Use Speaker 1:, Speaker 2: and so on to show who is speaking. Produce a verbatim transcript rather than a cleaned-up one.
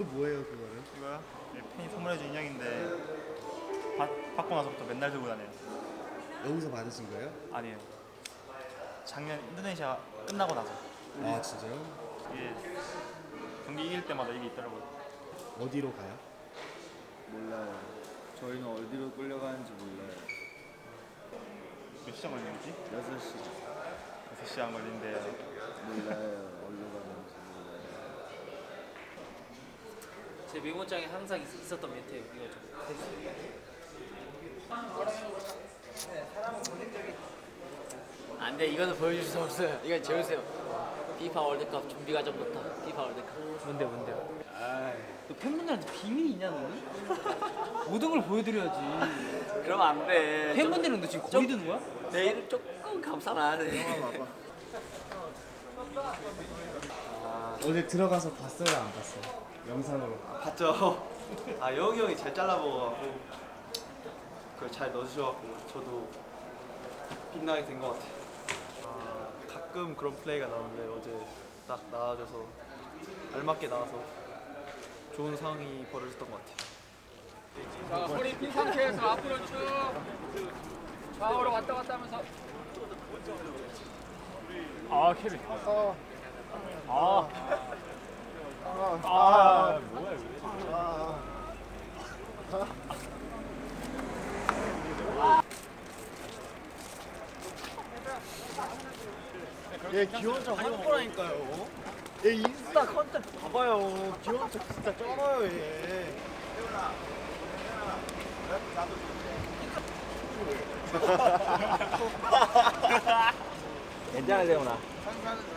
Speaker 1: 그 뭐예요 그거는?
Speaker 2: 이거요? 예, 팬이 선물해준 인형인데 받, 받고 나서부터 맨날 들고 다녀요.
Speaker 1: 여기서 받으신 거예요?
Speaker 2: 아니에요. 작년 인도네시아 끝나고 나서
Speaker 1: 아 진짜요?
Speaker 2: 이게 경기 이길 때마다 이게 있더라고요.
Speaker 1: 어디로 가요?
Speaker 3: 몰라요. 저희는 어디로 끌려가는지 몰라요.
Speaker 2: 몇 시간 걸리는지?
Speaker 3: 여섯 시
Speaker 2: 여섯 시간 걸린대요.
Speaker 3: 몰라요. 어디로 가는지 몰라요.
Speaker 4: 제 메모장에 항상 있, 있었던 멘트예요. 이거 좀 안돼, 이거는 보여줄 수 없어요. 이건 재우세요. 피파 월드컵 준비 과정부터 피파 월드컵. 뭔데 뭔데요? 너 팬분들한테 비밀이 있냐 너는? 모든 걸 보여드려야지. 그러면 안 돼. 팬분들은 너 지금 거리 드는 거야? 내일은 조금 감싸놔야 돼.
Speaker 1: 어제 들어가서 봤어요 안 봤어요? 영상으로.
Speaker 5: 봤죠. 아 영희 형이 잘 잘라먹어갖고 그걸 잘 넣어주셔갖고 저도 빛나게 된 것 같아요. 아, 가끔 그런 플레이가 나오는데 어제 딱 나와줘서 알맞게 나와서 좋은 상황이 벌어졌던 것 같아요.
Speaker 6: 자, 허리 핀 상태에서 앞으로 쭉 좌우로 왔다 갔다 하면서. 아, 케빈. 아. 아. 아. 뭐야, 이거.
Speaker 1: 얘 귀여운 척 하는 거라니까요. 얘 인스타 컨텐츠 봐봐요. 귀여운 척 진짜 쩔어요 얘.
Speaker 4: 괜찮아, 세훈아.